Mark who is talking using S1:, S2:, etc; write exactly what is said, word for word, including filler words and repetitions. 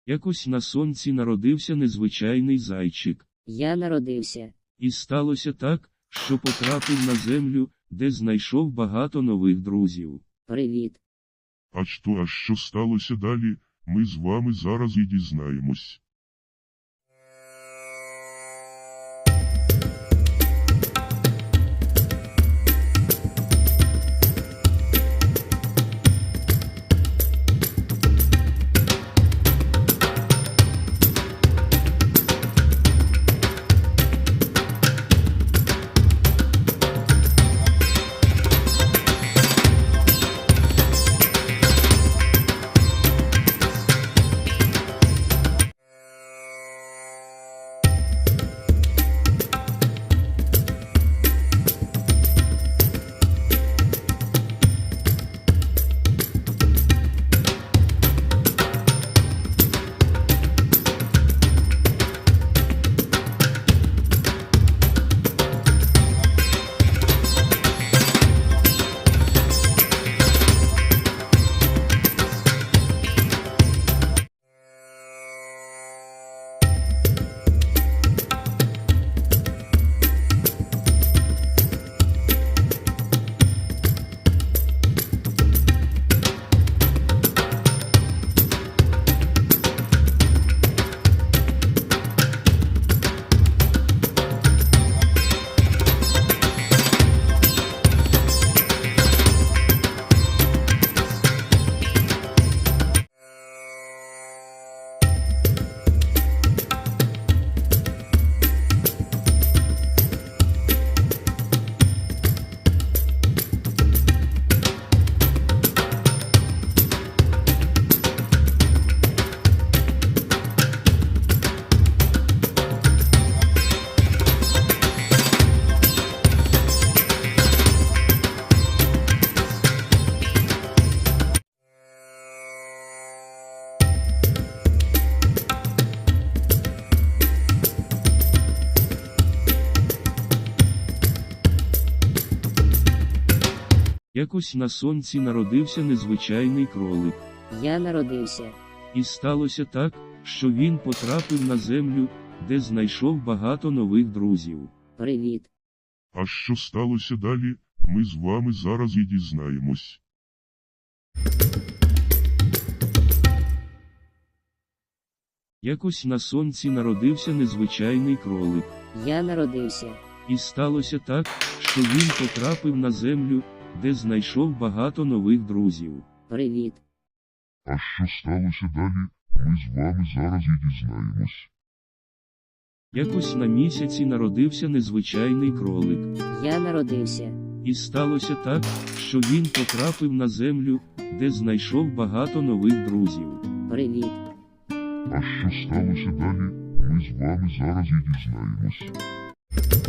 S1: Якось на сонці народився незвичайний зайчик.
S2: Я народився.
S1: І сталося так, що потрапив на землю, де знайшов багато нових друзів.
S2: Привіт.
S3: А що, а що сталося далі, ми з вами зараз і дізнаємось.
S1: Якось на сонці народився незвичайний кролик.
S2: Я народився.
S1: І сталося так, що він потрапив на землю, де знайшов багато нових друзів.
S2: Привіт.
S3: А що сталося далі, ми з вами зараз і дізнаємось.
S1: Якось на сонці народився незвичайний кролик.
S2: Я народився.
S1: І сталося так, що він потрапив на землю, де знайшов багато нових друзів.
S2: Привіт.
S3: А що сталося далі, ми з вами зараз і дізнаємось.
S1: Якось на місяці народився незвичайний кролик.
S2: Я народився.
S1: І сталося так, що він потрапив на землю, де знайшов багато нових друзів.
S2: Привіт.
S3: А що сталося далі, ми з вами зараз і дізнаємось.